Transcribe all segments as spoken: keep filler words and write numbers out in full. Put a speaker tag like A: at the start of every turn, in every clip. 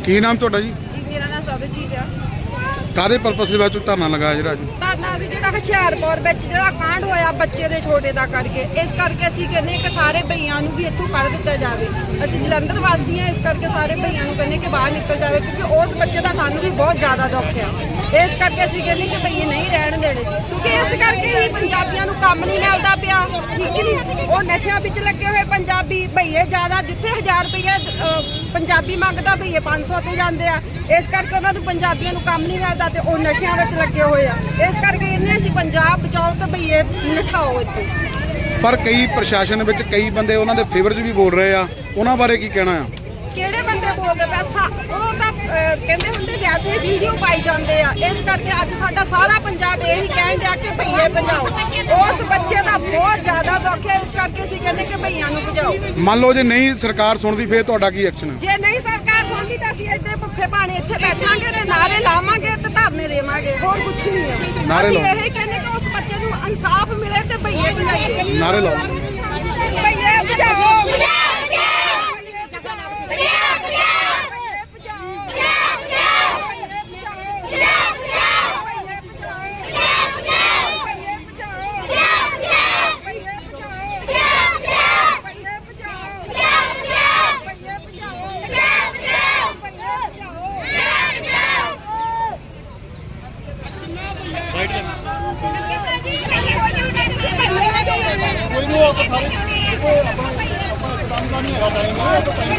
A: ਕੀ ਨਾਮ ਤੁਹਾਡਾ ਜੀ?
B: ਜੀ ਮੇਰਾ ਨਾਮ ਸਰਬਜੀਤ ਆ।
A: ਕਾਹਦੇ ਪਰਪਸ ਦੇ ਵਿੱਚ ਧਰਨਾ ਲਗਾਇਆ ਜਿਹੜਾ ਜੀ?
B: ਧਰਨਾ ਅਸੀਂ ਜਿਹੜਾ ਹੁਸ਼ਿਆਰਪੁਰ ਵਿੱਚ ਜਿਹੜਾ ਕਾਂਡ ਹੋਇਆ ਬੱਚੇ ਦੇ ਛੋਟੇ ਦਾ ਕਰਕੇ, ਇਸ ਕਰਕੇ ਅਸੀਂ ਕਹਿੰਦੇ ਕਿ ਸਾਰੇ ਭਈਆਂ ਨੂੰ ਵੀ ਇੱਥੋਂ ਕੱਢ ਦਿੱਤਾ ਜਾਵੇ। ਅਸੀਂ ਜਲੰਧਰ ਵਾਸੀ ਹਾਂ, ਇਸ ਕਰਕੇ ਸਾਰੇ ਭਈਆਂ ਨੂੰ ਕਹਿੰਦੇ ਕਿ ਬਾਹਰ ਨਿਕਲ ਜਾਵੇ, ਕਿਉਂਕਿ ਉਸ ਬੱਚੇ ਦਾ ਸਾਨੂੰ ਵੀ ਬਹੁਤ ਜ਼ਿਆਦਾ ਦੁੱਖ ਆ। ਇਸ ਕਰਕੇ ਅਸੀਂ ਕਹਿੰਦੇ ਕਿ ਭਈਏ ਨਹੀਂ ਰਹਿਣ ਦੇਣੇ, ਕਿਉਂਕਿ ਇਸ ਕਰਕੇ ਹੀ ਪੰਜਾਬੀਆਂ ਨੂੰ ਕੰਮ ਨਹੀਂ ਮਿਲਦਾ ਪਿਆ, ਠੀਕ ਨਹੀਂ। ਉਹ ਨਸ਼ਿਆਂ ਵਿੱਚ ਲੱਗੇ ਹੋਏ ਪੰਜਾਬੀ ਭਈਏ ਜ਼ਿਆਦਾ, ਜਿੱਥੇ ਹਜ਼ਾਰ ਰੁਪਈਆ ਪੰਜਾਬੀ ਮੰਗਦਾ ਭਈਏ ਪੰਜ ਸੌ ਤੇ ਜਾਂਦੇ ਆ। ਇਸ ਕਰਕੇ ਉਹਨਾਂ ਨੂੰ ਪੰਜਾਬੀਆਂ ਨੂੰ ਕੰਮ ਨਹੀਂ ਮਿਲਦਾ ਤੇ ਉਹ ਨਸ਼ਿਆਂ ਵਿੱਚ ਲੱਗੇ ਹੋਏ ਆ। ਇਸ ਕਰਕੇ ਇਹਨੇ ਅਸੀਂ ਪੰਜਾਬ ਬਚਾਓ ਤੇ ਭਈਏ ਨਠਾਓ ਇੱਥੇ।
A: ਪਰ ਕਈ ਪ੍ਰਸ਼ਾਸਨ ਵਿੱਚ ਕਈ ਬੰਦੇ ਉਹਨਾਂ ਦੇ ਫੇਵਰ 'ਚ ਵੀ ਬੋਲ ਰਹੇ ਆ, ਉਹਨਾਂ ਬਾਰੇ ਕੀ ਕਹਿਣਾ ਆ?
B: ਕਿਹੜੇ ਬੰਦੇ ਬੋਲਦੇ ਪੈਸਾ? ਉਹ ਤਾਂ ਕਹਿੰਦੇ ਹੁੰਦੇ ਵੈਸੇ ਵੀਡੀਓ ਪਾਈ ਜਾਂਦੇ ਆ। ਇਸ ਕਰਕੇ ਅੱਜ ਸਾਡਾ ਸਾਰਾ ਪੰਜਾਬ ਇਹ ਹੀ ਕਹਿਣ ਡਿਆ ਕਿ ਭਈਏ ਭਜਾਓ। ਉਸ ਬੱਚੇ ਦਾ ਬਹੁਤ ਜ਼ਿਆਦਾ ਦੁੱਖ ਹੈ, ਇਸ ਕਰਕੇ ਅਸੀਂ ਕਹਿੰਦੇ ਕਿ ਭਈਆਂ ਨੂੰ ਭਜਾਓ।
A: ਮੰਨ ਲਓ ਜੇ ਨਹੀਂ ਸਰਕਾਰ ਸੁਣਦੀ ਫੇਰ ਤੁਹਾਡਾ ਕੀ ਐਕਸ਼ਨ ਹੈ?
B: ਜੇ ਨਹੀਂ ਸਰਕਾਰ ਸੁਣਦੀ ਤਾਂ ਅਸੀਂ ਇੱਥੇ ਭੁੱਖੇ ਭਾਣੇ ਇੱਥੇ ਬੈਠਾਂਗੇ ਤੇ ਨਾਰੇ ਲਾਵਾਂਗੇ ਤੇ ਧਰਨੇ ਦੇਵਾਂਗੇ, ਹੋਰ ਕੁਝ ਨਹੀਂ ਹੈ। ਅਸੀਂ ਇਹ ਕਹਿੰਦੇ ਕਿ ਉਸ ਬੱਚੇ ਨੂੰ ਇਨਸਾਫ ਮਿਲੇ ਤੇ ਭਈਏ ਭਜਾਈਏ।
A: ਨਾਰੇ ਲਾਓ,
B: ਭਈਏ ਭਜਾਓ।
C: ਕੋਈ ਨਹੀਂ ਆਪਾਂ ਸਾਰੇ ਦੇਖੋ ਆਪਣਾ ਆਪਣਾ ਕੰਮ ਦਾ ਨਹੀਂ ਹੈਗਾ ਟਾਈਮ ਹੈ ਆਪਾਂ ਟਾਈਮ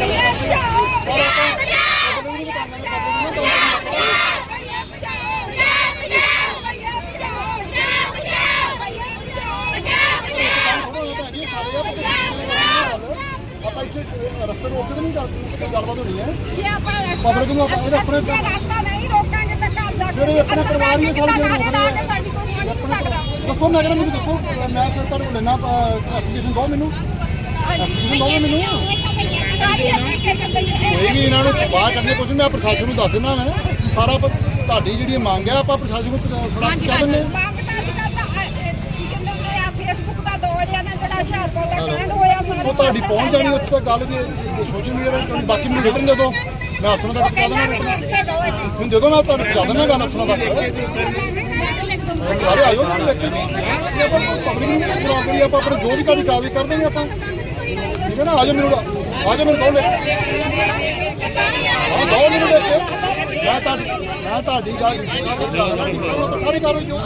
C: ਆਪਾਂ ਇੱਥੇ ਰਸਤੇ ਰੋਕ ਕੇ ਨਹੀਂ ਗੱਲਬਾਤ ਹੋਣੀ ਹੈ।
B: ਜੇ ਆਪਾਂ
C: ਪਬਲਿਕ ਨੂੰ ਆਪਣੇ ਆਪਣੇ
B: ਰਸਤਾ ਨਹੀਂ ਰੋਕਾਂਗੇ ਤਾਂ ਘਰ ਜਾ
C: ਜਿਹੜੇ ਆਪਣੇ ਪਰਿਵਾਰ ਹੀ ਸਾਰੇ ਜਿਹੜੇ ਰੋਕ ਰਹੇ ਆ।
B: ਸਾਡੀ ਕੋਈ ਸੁਣ ਨਹੀਂ ਸਕਦਾ।
C: ਦੱਸੋ ਮੈਂ ਕਹਿੰਦਾ ਮੈਨੂੰ ਦੱਸੋ, ਮੈਂ ਸਰ ਤੁਹਾਨੂੰ ਲੈਣਾ ਐਪਲੀਕੇਸ਼ਨ ਦਿਓ ਮੈਨੂੰ, ਐਪਲੀਕੇਸ਼ਨ ਦਿਓ ਮੈਨੂੰ। ਕੋਈ ਨਹੀਂ ਇਹਨਾਂ ਨੂੰ ਬਾਹਰ ਕੱਢਣੇ ਕੁਝ ਮੈਂ ਪ੍ਰਸ਼ਾਸਨ ਨੂੰ ਦੱਸ ਦਿੰਦਾ। ਮੈਂ ਸਾਰਾ ਤੁਹਾਡੀ ਜਿਹੜੀ ਮੰਗ ਹੈ ਆਪਾਂ ਪ੍ਰਸ਼ਾਸਨ ਨੂੰ ਫੜਾ ਕੇ ਕਹਿ ਦਿੰਦੇ ਹਾਂ। ਫੇਸਬੁੱਕ ਦਾ ਦੌਰ ਆ ਨਾ ਜਿਹੜਾ ਹੁਸ਼ਿਆਰਪੁਰ ਦਾ ਕਾਂਡ ਹੋਇਆ, ਸਾਰੇ ਉਹ ਤੁਹਾਡੀ ਪਹੁੰਚ ਜਾਣੀ ਉੱਥੇ ਤੱਕ ਗੱਲ ਜੇ ਸੋਸ਼ਲ ਮੀਡੀਆ ਤੇ। ਬਾਕੀ ਮੈਨੂੰ ਰਿਟਰਨ ਦੇ ਦਿਓ, ਮੈਂ ਅਸਲੋਂ ਦਾ ਪਹੁੰਚਾ ਦਿੰਦਾ। ਹੁਣ ਜਦੋਂ ਮੈਂ ਤੁਹਾਨੂੰ ਪਹੁੰਚਾ ਦਿੰਦਾ ਗੱਲ ਅਸਲੋਂ ਤੱਕ ਸਾਰੇ ਆਇਓ ਨਾ ਲਿਖ ਕੇ ਪਬਲਿਕ ਨੂੰ ਖਰਾਬ ਕਰੀ ਆਪਾਂ ਆਪਣੇ ਜੋ ਵੀ ਤੁਹਾਡੀ ਕਾਰਵਾਈ ਕਰ ਦੇਂਗੇ ਆਪਾਂ, ਠੀਕ ਹੈ ਨਾ। ਆਜੋ ਮੈਨੂੰ ਆਜੋ ਮੈਨੂੰ ਦੋ ਲਿਖ ਹਾਂ ਦੋ ਮੈਨੂੰ ਲਿਖ ਕੇ ਮੈਂ ਤੁਹਾਡੀ ਮੈਂ ਤੁਹਾਡੀ ਗੱਲ ਸਾਰੀ ਕਾਰਵਾਈ ਜੋ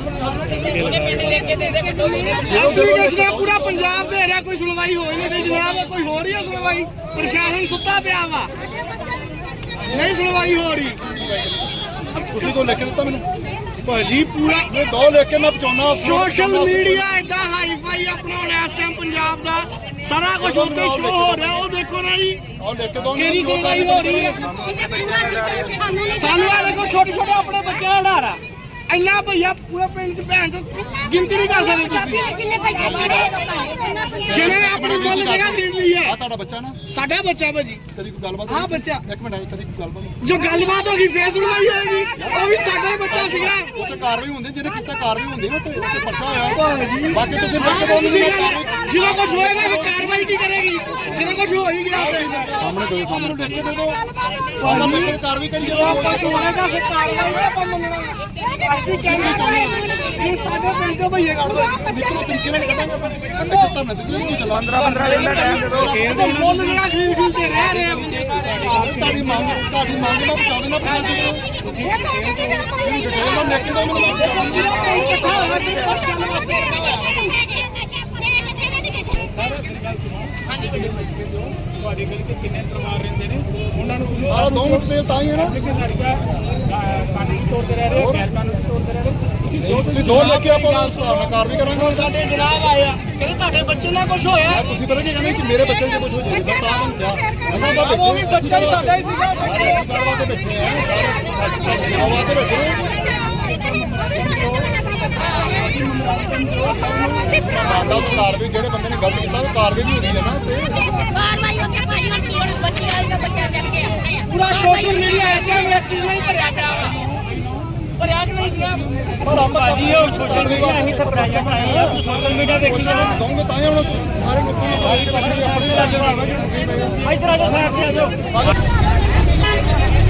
D: ਐਪਲੀਕੇਸ਼ਨ ਪੂਰਾ ਪੰਜਾਬ ਦੇ ਰਿਹਾ, ਕੋਈ ਸੁਣਵਾਈ ਹੋਈ ਨਹੀਂ ਜਨਾਬ। ਕੋਈ ਹੋ ਰਹੀ ਹੈ ਸੁਣਵਾਈ? ਪ੍ਰਸ਼ਾਸਨ ਸੁੱਤਾ ਪਿਆ ਵਾ, ਨਹੀਂ ਸੁਣਵਾਈ ਹੋ ਰਹੀ।
C: ਤੁਸੀਂ ਕੋਈ ਲਿਖ ਕੇ ਦਿੱਤਾ ਮੈਨੂੰ
D: ਭਾਜੀ? ਪੂਰਾ
C: ਇਹ ਦੋ ਲਿਖ ਕੇ ਮੈਂ ਪਹੁੰਚਾਉਣਾ।
D: ਸੋਸ਼ਲ ਮੀਡੀਆ ਏਦਾਂ ਹਾਈ ਫਾਈ ਆਪਣਾ ਹੁਣ ਇਸ ਟਾਈਮ ਪੰਜਾਬ ਦਾ ਸਾਰਾ ਕੁਝ ਉੱਤੇ ਸ਼ੋ ਹੋ ਰਿਹਾ। ਉਹ ਦੇਖੋ ਨਾ ਜੀ,
C: ਆਹ ਲਿਖ ਕੇ ਦੋ
D: ਕਿਹੜੀ ਸੁਣਵਾਈ ਹੋ ਰਹੀ ਹੈ। ਸਾਨੂੰ ਆ ਦੇਖੋ ਛੋਟੇ ਛੋਟੇ ਆਪਣੇ ਬੱਚੇ ਦਾ ਡਰ ਆ। ਇੰਨਾ ਭਈਆ ਪੂਰੇ ਪਿੰਡ ਚ ਭੈਣ ਗਿਣਤੀ ਨਹੀਂ ਕਰ ਸਕਦੇ ਤੁਸੀਂ। ਜਿਹਨੇ ਆਪਣੀ ਮੁੱਲ ਜਗ੍ਹਾ ਖਰੀਦ ਲਈ ਹੈ।
C: ਆ ਤੁਹਾਡਾ ਬੱਚਾ ਨਾ?
D: ਸਾਡਾ ਬੱਚਾ ਭਾਜੀ।
C: ਕਦੀ ਕੋਈ ਗੱਲਬਾਤ?
D: ਹਾਂ ਬੱਚਾ।
C: ਇੱਕ ਮਿੰਟ ਆਈ, ਕਦੀ ਕੋਈ ਗੱਲਬਾਤ?
D: ਜੋ ਗੱਲਬਾਤ ਹੋ ਗਈ ਫੇਰ ਸੁਣਵਾਈ ਹੋਏਗੀ। ਉਹ ਵੀ ਸਾਡਾ ਹੀ ਬੱਚਾ ਸੀਗਾ।
C: ਉੱਥੇ ਕਾਰਵਾਈ ਹੁੰਦੀ, ਜਿਹਨੇ ਕੀਤਾ ਕਾਰਵਾਈ ਹੁੰਦੀ ਨਾ, ਉੱਥੇ ਉੱਥੇ ਪਰਚਾ ਹੋਇਆ। ਬਾਕੀ ਤੁਸੀਂ ਲਿਖ ਕੇ ਦਿਓ।
D: ਜਦੋਂ ਕੁਝ ਹੋਏਗਾ ਫਿਰ ਕਾਰਵਾਈ ਕੀ ਕਰੇਗੀ? ਜਦੋਂ ਕੁਝ ਹੋ ਹੀ ਗਿਆ
C: ਸਾਹਮਣੇ ਦੋ ਸਾਹਮਣੇ ਲਿਖ ਕੇ ਦੇ ਦਿਓ। ਸਾਹਮਣੇ ਲਿਖ ਕੇ ਕਾਰਵਾਈ ਕਰੀ ਜਾਓ।
D: ਆਪਾਂ ਹੋਏਗਾ ਫਿਰ ਕਾਰਵਾਈ ਨਹੀਂ ਆਪਾਂ ਮੰਨਣਾ। ਅਸੀਂ ਕਹਿੰਦੇ ਇਹ ਸਾਡੇ ਪਿੰਡ ਤੋਂ ਭਈਏ ਕੱਢ ਦੋ।
C: ਨਿਕਲੋ ਤਰੀਕੇ ਨਾਲ ਕੱਢਾਂਗੇ ਆਪਾਂ। ਕੰਡੇ ਚੱਲਦਾ ਮੈਂ ਤੁਸੀਂ ਕੀ ਚੱਲਾਂ
A: ਪੰਦਰਾਂ ਪੰਦਰਾਂ ਦਿਨ ਦਾ ਟਾਈਮ ਦੇ ਦਿਓ।
D: ਇਹ ਤਾਂ ਮੁੱਲ ਜਿਹੜਾ ਖਰੀਦ ਖਰੀਦ ਕੇ ਰਹਿ ਰਹੇ ਆ ਬੰਦੇ ਸਾਰੇ।
C: ਤੁਹਾਡੀ ਮੰਗ ਤੁਹਾਡੀ ਮੰਗ ਦਾ ਪਹੁੰਚਾ ਦੇਣਾ ਪ੍ਰਸ਼ਾਸਨ ਨੂੰ।
B: ਇਹ ਤਾਂ ਕਹਿੰਦੇ ਜਿਹੜਾ ਭਈਏ
C: ਇਹਨਾਂ ਲਿਖ ਕੇ ਦਿਓ ਮੈਨੂੰ।
D: ਇਕੱਠਾ ਹੋਣਾ ਸੀ ਪਰਚਾ ਲਗਾ ਕੇ
E: ਤੁਹਾਡੇ ਗਲੀ ਤੇ ਕਿੰਨੇ ਪਰਿਵਾਰ ਰਹਿੰਦੇ ਨੇ, ਉਹਨਾਂ ਨੂੰ ਤੁਸੀਂ
C: ਸਾਰਾ ਦੋ ਮਿੰਟ ਦੇ ਤਾਂ ਹੀ ਹੈ ਨਾ।
E: ਸਾਡੀਆਂ ਕਾਨੂੰਨੀ ਤੌਰ ਤੇ ਰਹਿ ਰਹੇ, ਗੈਰ ਕਾਨੂੰਨੀ ਤੌਰ ਤੇ ਰਹਿ ਰਹੇ।
C: ਤੁਸੀਂ ਦੋ ਲਿਖ ਕੇ ਆਪਾਂ ਕਾਰਵਾਈ ਕਰਾਂਗੇ।
D: ਸਾਡੇ ਜਨਾਬ ਆਏ ਆ, ਕਹਿੰਦੇ ਤੁਹਾਡੇ ਬੱਚੇ ਨਾਲ ਕੁਝ ਹੋਇਆ।
C: ਤੁਸੀਂ ਪਤਾ ਕੀ ਕਹਿੰਦੇ ਕਿ ਮੇਰੇ ਬੱਚੇ ਜੇ ਕੁਝ ਹੋ ਜਾਏ ਤਾਂ ਤਾਂ ਹੁੰਦਾ। ਉਹਨਾਂ ਦਾ
D: ਉਹ ਵੀ ਬੱਚਾ ਹੀ ਸਾਡਾ ਹੀ ਸੀਗਾ।
C: ਗੱਲਬਾਤ ਤੇ ਬੈਠੇ ਆ, ਗੱਲਬਾਤ ਤੇ ਬੈਠੇ ਮਾਤਾ ਨੂੰ ਕਾਰਵਾਈ ਜਿਹੜੇ ਬੰਦੇ ਨੇ ਗਲਤ ਕੀਤਾ ਉਹ ਕਾਰਵਾਈ ਵੀ ਹੁੰਦੀ ਹੈ ਨਾ। ਤੇ
D: ਪੂਰਾ ਸੋਸ਼ਲ ਮੀਡੀਆ ਇਸ ਟਾਈਮ ਇਸ ਚੀਜ਼ ਨਾਲ ਹੀ ਭਰਿਆ ਪਿਆ ਵਾ। ਭਰਿਆ ਕਿ ਨਹੀਂ ਜਨਾਬ?
C: ਪਰ ਆਪਾਂ
E: ਜੀ ਉਹ ਸੋਸ਼ਲ ਮੀਡੀਆ ਅਸੀਂ ਤਾਂ ਪ੍ਰੈਸ਼ਰ ਬਣਾਏ ਆ, ਸੋਸ਼ਲ ਮੀਡੀਆ ਦੇਖੀ ਜਾਓ।
C: ਦਊਂਗੇ ਤਾਂ ਹੀ ਹੁਣ ਸਾਰੇ ਲੋਕਾਂ ਨੂੰ ਸਾਰੀ ਪਾਸੇ ਆਪਣੇ
E: ਇੱਧਰ ਆ ਜਾਓ ਸਾਈਡ ਤੇ ਆ ਜਾਓ।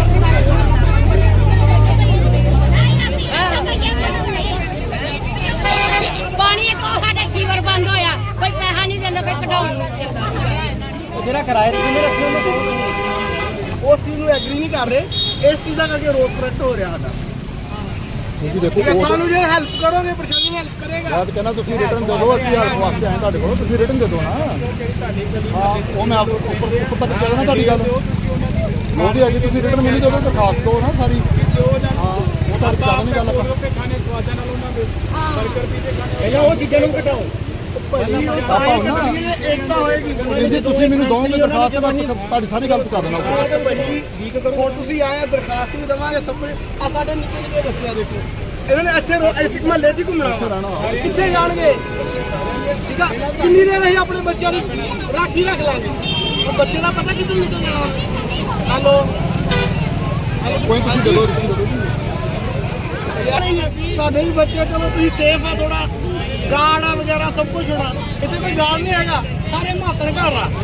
F: ਸੀਵਰ ਬੰਦ ਹੋਇਆ, ਕੋਈ ਪੈਸਾ ਨਹੀਂ ਦਿੰਦਾ, ਕੋਈ ਕਢਾਉਣ ਨੂੰ
E: ਜਿਹੜਾ ਕਿਰਾਏ ਤੇ ਕਿੰਨੇ ਰੱਖੇ ਉਹਨੇ ਬਹੁਤ
D: ਉਸ ਚੀਜ਼ ਨੂੰ ਐਗਰੀ ਨਹੀਂ ਕਰ ਰਹੇ। ਇਸ ਚੀਜ਼ ਦਾ ਕਰਕੇ ਰੋਸ ਪ੍ਰਗਟ ਹੋ ਰਿਹਾ ਸਾਡਾ।
C: ਤੁਸੀਂ ਦੇਖੋ
D: ਠੀਕ ਹੈ,
C: ਉਹ
D: ਸਾਨੂੰ ਜੇ ਹੈਲਪ ਕਰੋਗੇ ਪ੍ਰਸ਼ਾਸਨ ਹੈਲਪ ਕਰੇਗਾ।
C: ਬਾਤ ਕਹਿੰਦਾ ਤੁਸੀਂ ਰਿਟਰਨ ਦੇ ਦਿਓ, ਅਸੀਂ ਹੈਲਪ ਵਾਸਤੇ ਆਏ ਤੁਹਾਡੇ ਕੋਲ, ਤੁਸੀਂ ਰਿਟਰਨ ਦੇ ਦਿਓ ਨਾ। ਹਾਂ ਉਹ ਮੈਂ ਆਪ ਉੱਪਰ ਉੱਪਰ ਤੱਕ ਕਹਿ ਦੇਣਾ ਤੁਹਾਡੀ ਗੱਲ ਉਹਦੀ ਹੈਗੀ, ਤੁਸੀਂ ਰਿਟਰਨ ਮੈਨੂੰ ਦੇ ਦਿਓ, ਦਰਖਾਸਤ ਦਿਓ ਨਾ ਸਾਰੀ। ਹਾਂ ਉਹ ਤਾਂ ਜ਼ਿਆਦਾ ਨਹੀਂ ਗੱਲ ਆਪਾਂ
E: ਖਾਣੇ ਸਵਾਦਾਂ ਨਾਲ ਉਹਨਾਂ ਦੇ ਬਰਗਰ ਪੀਜ਼ੇ ਖਾਣੇ ਪਹਿਲਾਂ ਉਹ ਚੀਜ਼ਾਂ ਨੂੰ ਘਟਾਓ।
D: ਭਾਜੀ ਉਹ ਤਾਂ ਹੀ ਕਰਨਗੇ ਜੇ ਏਕਤਾ ਹੋਏਗੀ।
C: ਜੇ ਤੁਸੀਂ ਮੈਨੂੰ ਦੋਗੇ ਦਰਖਾਸਤ ਮੈਂ ਤੁਹਾਡੀ ਸਾਰੀ ਗੱਲ ਪਹੁੰਚਾ ਦੇਣਾ ਉੱਪਰ।
D: ਤੇ ਭਾਜੀ ਠੀਕ ਕਰੋ। ਹੁਣ ਤੁਸੀਂ ਆਏ ਆ, ਦਰਖਾਸਤ ਵੀ ਦੇਵਾਂਗੇ ਸਭ ਕੁਝ। ਆ ਸਾਡੇ ਨਿੱਕੇ ਨਿੱਕੇ ਬੱਚੇ ਆ ਦੇਖੋ, ਇਹਨਾਂ ਨੇ ਇੱਥੇ ਰੋ- ਇਸ ਮਹੱਲੇ 'ਚ ਹੀ ਘੁੰਮਣਾ ਵਾ। ਕਿੱਥੇ ਜਾਣਗੇ? ਠੀਕ ਆ, ਕਿੰਨੀ ਦੇਰ ਅਸੀਂ ਆਪਣੇ ਬੱਚਿਆਂ ਦੀ ਰਾਖੀ ਰੱਖ ਲਾਂਗੇ? ਉਹ ਬੱਚੇ ਦਾ ਪਤਾ ਕਿੱਧਰ ਨਿਕਲ ਜਾਣਾ। ਹਲੋ
C: ਕੋਈ ਤੁਸੀਂ ਦੇ ਦਿਓ, ਰਿਟਰਨ ਦੇ ਦਿਓ ਜੀ।
D: ਯਾਰ ਇਹ ਤੁਹਾਡੇ ਵੀ ਬੱਚੇ, ਚਲੋ ਤੁਸੀਂ ਸੇਫ ਆ, ਥੋੜਾ ਗਾਰਡ ਆ ਵਗੈਰਾ ਸਭ ਕੁਝ ਹੋਣਾ। ਇੱਥੇ ਕੋਈ ਗਾਰਡ ਨਹੀਂ ਹੈਗਾ, ਸਾਰੇ ਮਾਤਰ ਘਰ ਆ।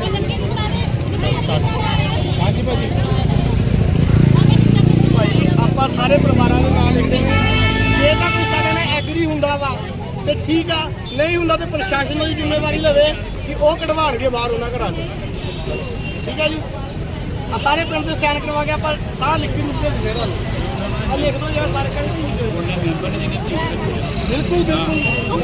E: ਹਾਂਜੀ ਭਾਜੀ
D: ਭਾਈ ਆਪਾਂ ਸਾਰੇ ਪਰਿਵਾਰਾਂ ਦੇ ਨਾਲ ਲਿਖਦੇ ਨੇ। ਜੇ ਤਾਂ ਕੋਈ ਸਾਡੇ ਨਾਲ ਐਗਰੀ ਹੁੰਦਾ ਵਾ ਤੇ ਠੀਕ ਆ, ਨਹੀਂ ਹੁੰਦਾ ਤੇ ਪ੍ਰਸ਼ਾਸਨ ਦੀ ਜ਼ਿੰਮੇਵਾਰੀ ਲਵੇ ਕਿ ਉਹ ਕਢਵਾਉਣਗੇ ਬਾਹਰ ਉਹਨਾਂ ਘਰਾਂ ਤੋਂ। ਠੀਕ ਹੈ ਜੀ, ਆ ਸਾਰੇ ਪਿੰਡ ਦੇ ਸਾਈਨ ਕਰਵਾ ਕੇ ਆਪਾਂ ਸਾਰਾ ਲਿਖੀ ਰੂਪ ਦੇ ਦਿੰਦੇ ਤੁਹਾਨੂੰ। ਆ ਲਿਖ ਦੋ ਯਾਰ ਸਾਰੇ ਕਹਿੰਦੇ ਬਿਲਕੁਲ ਬਿਲਕੁਲ।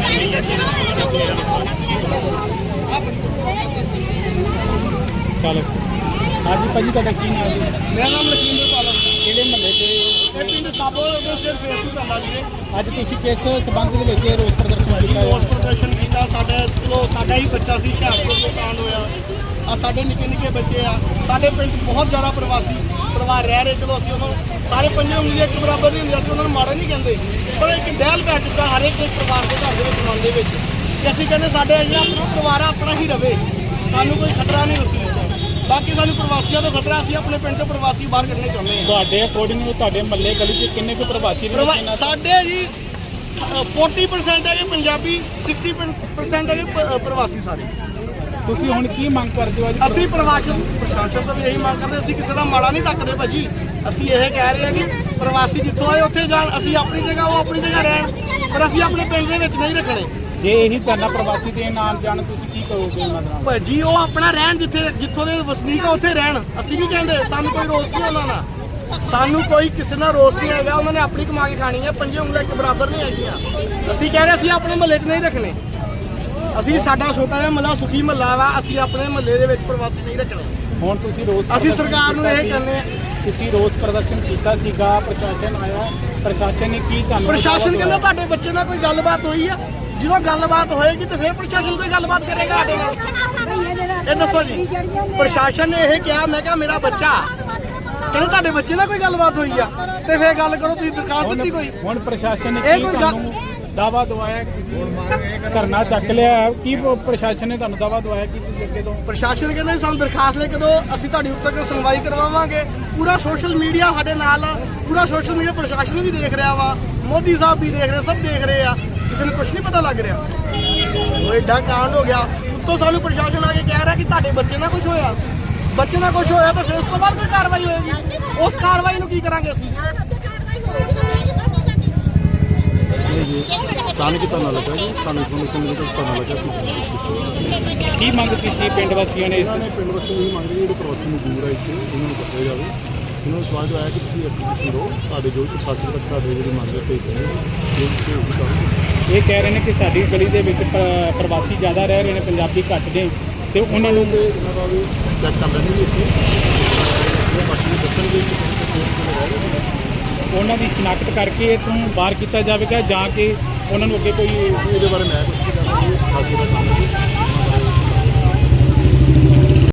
E: ਚਲੋ ਹਾਂਜੀ ਭਾਜੀ ਤੁਹਾਡਾ ਕੀ ਨਾਮ ਜੀ?
D: ਮੇਰਾ ਨਾਮ ਲਖਿੰਦਰ ਪਾਲਾ,
E: ਕਿਹੜੇ ਮਹੱਲੇ ਤੇ
D: ਇਹ ਪਿੰਡ ਸਾਬੋ ਦੇ ਸਿਰ ਫੇਸ ਟੂ ਪੈਂਦਾ ਜੀ।
E: ਅੱਜ ਤੁਸੀਂ ਕਿਸ ਸਬੰਧ ਦੇ ਵਿੱਚ ਇਹ ਰੋਸ ਪ੍ਰਦਰਸ਼ਨ ਕੀਤਾ
D: ਰੋਸ ਪ੍ਰਦਰਸ਼ਨ ਕੀਤਾ। ਸਾਡਾ ਚਲੋ ਸਾਡਾ ਹੀ ਬੱਚਾ ਸੀ, ਹੁਸ਼ਿਆਰਪੁਰ ਤੋਂ ਕਾਂਡ ਹੋਇਆ। ਆ ਸਾਡੇ ਨਿੱਕੇ ਨਿੱਕੇ ਬੱਚੇ ਆ। ਸਾਡੇ ਪਿੰਡ ਬਹੁਤ ਜ਼ਿਆਦਾ ਪ੍ਰਵਾਸੀ ਪਰਿਵਾਰ ਰਹਿ ਰਹੇ। ਚਲੋ ਅਸੀਂ ਉਹਨਾਂ ਨੂੰ ਸਾਰੇ ਪੰਜੇ ਉਂਗਲੀਆਂ ਇੱਕ ਬਰਾਬਰ ਨਹੀਂ ਹੁੰਦੀਆਂ, ਅਸੀਂ ਉਹਨਾਂ ਨੂੰ ਮਾੜਾ ਨਹੀਂ ਕਹਿੰਦੇ, ਪਰ ਇੱਕ ਡਹਿਲ ਪੈ ਚੁੱਕਾ ਹਰੇਕ ਦੇ ਪਰਿਵਾਰ ਦੇ ਘਰ ਦੇ ਵਿੱਚ ਮਨ ਦੇ ਵਿੱਚ ਕਿ ਅਸੀਂ ਕਹਿੰਦੇ ਸਾਡੇ ਜਿਹੜਾ ਆਪਣਾ ਪਰਿਵਾਰ ਆਪਣਾ ਹੀ ਰਵੇ, ਸਾਨੂੰ ਕੋਈ ਖਤਰਾ ਨਹੀਂ ਉਸ ਚੀਜ਼ ਦਾ। ਬਾਕੀ ਸਾਨੂੰ ਪ੍ਰਵਾਸੀਆਂ ਤੋਂ ਖਤਰਾ, ਅਸੀਂ ਆਪਣੇ ਪਿੰਡ ਤੋਂ ਪ੍ਰਵਾਸੀ ਬਾਹਰ ਕੱਢਣੇ ਚਾਹੁੰਦੇ ਹਾਂ।
E: ਤੁਹਾਡੇ ਅਕੋਰਡਿੰਗ ਤੁਹਾਡੇ ਮਹੱਲੇ ਗਲੀ 'ਚ ਕਿੰਨੇ ਕੁ ਪ੍ਰਵਾਸੀ ਨੇ?
D: ਪ੍ਰਵਾ- ਸਾਡੇ ਜੀ ਚਾਲੀ ਪਰਸੈਂਟ ਹੈਗੇ ਪੰਜਾਬੀ, ਸਾਠ ਪਰਸੈਂਟ ਹੈਗੇ ਪ- ਪ੍ਰਵਾਸੀ ਸਾਰੇ।
E: ਤੁਸੀਂ ਹੁਣ ਕੀ ਮੰਗ ਕਰਦੇ ਹੋ ਅੱਜ?
D: ਅਸੀਂ ਪ੍ਰਵਾਸਨ ਪ੍ਰਸ਼ਾਸਨ ਤੋਂ ਵੀ ਇਹੀ ਮੰਗ ਕਰਦੇ, ਅਸੀਂ ਕਿਸੇ ਦਾ ਮਾੜਾ ਨਹੀਂ ਤੱਕਦੇ ਭਾਜੀ। ਅਸੀਂ ਇਹ ਕਹਿ ਰਹੇ ਹਾਂ ਕਿ ਪ੍ਰਵਾਸੀ ਜਿੱਥੋਂ ਆਏ ਉੱਥੇ ਜਾਣ, ਅਸੀਂ ਆਪਣੀ ਜਗ੍ਹਾ ਉਹ ਆਪਣੀ ਜਗ੍ਹਾ ਰਹਿਣ, ਪਰ ਅਸੀਂ ਆਪਣੇ ਪਿੰਡ ਦੇ ਵਿੱਚ ਨਹੀਂ ਰੱਖਣੇ।
E: ਜੇ ਇਹੀ ਧਰਨਾ ਪ੍ਰਵਾਸੀ ਦੇ ਨਾਲ ਜਾਣ ਤੁਸੀਂ ਕੀ ਕਰੋਗੇ ਉਹਨਾਂ ਨਾਲ?
D: ਭਾਜੀ ਉਹ ਆਪਣਾ ਰਹਿਣ, ਜਿੱਥੇ ਜਿੱਥੋਂ ਦੇ ਵਸਨੀਕ ਆ ਉੱਥੇ ਰਹਿਣ। ਅਸੀਂ ਨਹੀਂ ਕਹਿੰਦੇ, ਸਾਨੂੰ ਕੋਈ ਰੋਸ ਨਹੀਂ ਉਹਨਾਂ ਨਾਲ, ਸਾਨੂੰ ਕੋਈ ਕਿਸੇ ਨਾਲ ਰੋਸ ਨਹੀਂ ਹੈਗਾ। ਉਹਨਾਂ ਨੇ ਆਪਣੀ ਕਮਾ ਕੇ ਖਾਣੀ ਹੈ, ਪੰਜੇ ਉਂਗਲਾਂ ਇੱਕ ਬਰਾਬਰ ਨਹੀਂ ਹੈਗੀਆਂ। ਅਸੀਂ ਕਹਿ ਰਹੇ ਅਸੀਂ ਆਪਣੇ ਮਹੱਲੇ 'ਚ ਨਹੀਂ ਰੱਖਣੇ। ਅਸੀਂ ਸਾਡਾ ਛੋਟਾ ਜਿਹਾ ਮਹੱਲਾ ਸੁਖੀ ਮਹੱਲਾ ਵਾ, ਅਸੀਂ ਆਪਣੇ ਮਹੱਲੇ ਦੇ ਵਿੱਚ ਪ੍ਰਵਾਸੀ ਨਹੀਂ ਰੱਖਣੇ।
E: ਹੁਣ ਤੁਸੀਂ ਰੋਸ
D: ਅਸੀਂ ਸਰਕਾਰ ਨੂੰ ਇਹ ਕਹਿੰਦੇ ਆ।
E: ਤੁਸੀਂ ਰੋਸ ਪ੍ਰਦਰਸ਼ਨ ਕੀਤਾ ਸੀਗਾ, ਪ੍ਰਸ਼ਾਸਨ ਆਇਆ, ਪ੍ਰਸ਼ਾਸਨ ਨੇ ਕੀ ਤੁਹਾਨੂੰ
D: ਪ੍ਰਸ਼ਾਸਨ ਕਹਿੰਦਾ ਤੁਹਾਡੇ ਬੱਚੇ ਨਾਲ ਕੋਈ ਗੱਲਬਾਤ ਹੋਈ ਆ। ਜਦੋਂ ਗੱਲਬਾਤ ਹੋਏਗੀ ਤੇ ਫਿਰ ਪ੍ਰਸ਼ਾਸਨ ਕੋਈ ਗੱਲਬਾਤ ਕਰੇਗਾ ਸਾਡੇ ਨਾਲ। ਇਹ ਦੱਸੋ ਜੀ, ਪ੍ਰਸ਼ਾਸਨ ਨੇ ਇਹ ਕਿਹਾ, ਮੈਂ ਕਿਹਾ ਮੇਰਾ ਬੱਚਾ, ਕਹਿੰਦੇ ਤੁਹਾਡੇ ਬੱਚੇ ਨਾਲ ਕੋਈ ਗੱਲਬਾਤ ਹੋਈ ਆ ਤੇ ਫਿਰ ਗੱਲ ਕਰੋ, ਤੁਸੀਂ ਦਰਖਾਸਤ ਦਿੱਤੀ ਕੋਈ?
E: ਹੁਣ ਪ੍ਰਸ਼ਾਸਨ ਨੇ
D: ਇਹ
E: ਕੀ
D: ਕੋਈ ਗੱਲ-
E: ਤੁਹਾਨੂੰ ਦਾਵਾ ਦਵਾਇਆ ਕਿ ਧਰਨਾ ਚੱਕ ਲਿਆ ਹੈ? ਕੀ ਪ੍ਰਸ਼ਾਸਨ ਨੇ ਤੁਹਾਨੂੰ ਦਾਵਾ ਦਵਾਇਆ ਕਿ ਤੁਸੀਂ ਅੱਗੇ ਤੋਂ?
D: ਪ੍ਰਸ਼ਾਸਨ ਕਹਿੰਦੇ ਸਾਨੂੰ ਦਰਖਾਸਤ ਲੈ ਕੇ ਦਿਓ, ਅਸੀਂ ਤੁਹਾਡੀ ਉੱਤੇ ਤੱਕ ਸੁਣਵਾਈ ਕਰਵਾਵਾਂਗੇ। ਪੂਰਾ ਸੋਸ਼ਲ ਮੀਡੀਆ ਸਾਡੇ ਨਾਲ ਆ, ਪੂਰਾ ਸੋਸ਼ਲ ਮੀਡੀਆ ਪ੍ਰਸ਼ਾਸਨ ਵੀ ਦੇਖ ਰਿਹਾ ਵਾ, ਮੋਦੀ ਸਾਹਿਬ ਵੀ ਦੇਖ ਰਹੇ, ਸਭ ਦੇਖ ਰਹੇ ਆ। ਕਿਸੇ ਨੂੰ ਕੁਝ ਨਹੀਂ ਪਤਾ ਲੱਗ ਰਿਹਾ। ਉਹ ਏਡਾ ਕਾਂਡ ਹੋ ਗਿਆ, ਉੱਤੋਂ ਸਾਨੂੰ ਪ੍ਰਸ਼ਾਸਨ ਆ ਕੇ ਕਹਿ ਰਿਹਾ ਕਿ ਤੁਹਾਡੇ ਬੱਚੇ ਨਾਲ ਕੁਝ ਹੋਇਆ। ਬੱਚੇ ਨਾਲ ਕੁਝ ਹੋਇਆ ਤਾਂ ਫਿਰ ਉਸ ਤੋਂ ਬਾਅਦ ਕੋਈ ਕਾਰਵਾਈ ਹੋਏਗੀ। ਉਸ ਕਾਰਵਾਈ ਨੂੰ ਕੀ ਕਰਾਂਗੇ ਅਸੀਂ?
C: ਅਚਾਨਕ ਹੀ ਧਰਨਾ ਲੱਗਾ ਜੀ, ਸਾਨੂੰ ਇਨਫੋਰਮੇਸ਼ਨ ਮਿਲੀ ਤਾਂ ਧਰਨਾ ਲੱਗਾ ਸੀ।
E: ਕੀ ਮੰਗ ਕੀਤੀ ਪਿੰਡ ਵਾਸੀਆਂ ਨੇ ਇਸ
C: ਇਹਨਾਂ ਨੇ ਪਿੰਡ ਵਾਸੀ ਨੂੰ ਇਹ ਮੰਗ ਰਹੇ ਜਿਹੜੇ ਪ੍ਰਵਾਸੀ ਮਜ਼ਦੂਰ ਆ ਇੱਥੇ, ਉਹਨਾਂ ਨੂੰ ਕੱਢਿਆ ਜਾਵੇ। ਇਹਨਾਂ ਨੂੰ ਸਵਾਲ ਆਇਆ ਕਿ ਤੁਸੀਂ ਐਪਲੀਕੇਸ਼ਨ ਦਿਓ, ਤੁਹਾਡੇ ਜੋ ਪ੍ਰਸ਼ਾਸਨ ਤੱਕ ਤੁਹਾਡੇ ਜਿਹੜੀ ਮੰਗ ਹੈ ਭੇਜ ਦੇਣਗੇ।
E: ਇਹ ਕਹਿ ਰਹੇ ਨੇ ਕਿ ਸਾਡੀ ਗਲੀ ਦੇ ਵਿੱਚ ਪ- ਪ੍ਰਵਾਸੀ ਜ਼ਿਆਦਾ ਰਹਿ ਰਹੇ ਨੇ, ਪੰਜਾਬੀ ਘੱਟ ਨੇ, ਤੇ ਉਹਨਾਂ ਨੂੰ
C: ਤੇ ਇਹਨਾਂ ਦਾ ਵੀ ਚੈੱਕ ਕਰ ਲੈਣਗੇ ਇੱਥੇ, ਉਹ ਬਾਕੀ ਦੱਸਣਗੇ ਕਿ ਕਿਹੜੇ ਰਹਿ ਰਹੇ ਨੇ।
E: ਉਹਨਾਂ ਦੀ ਸ਼ਨਾਖਤ ਕਰਕੇ ਇੱਥੋਂ ਬਾਹਰ ਕੀਤਾ ਜਾਵੇਗਾ, ਜਾਂ ਕਿ ਉਹਨਾਂ ਨੂੰ ਅੱਗੇ ਕੋਈ
C: ਇਹਦੇ ਬਾਰੇ ਮੈਂ ਕੁਝ ਨਹੀਂ ਕਰਦਾ,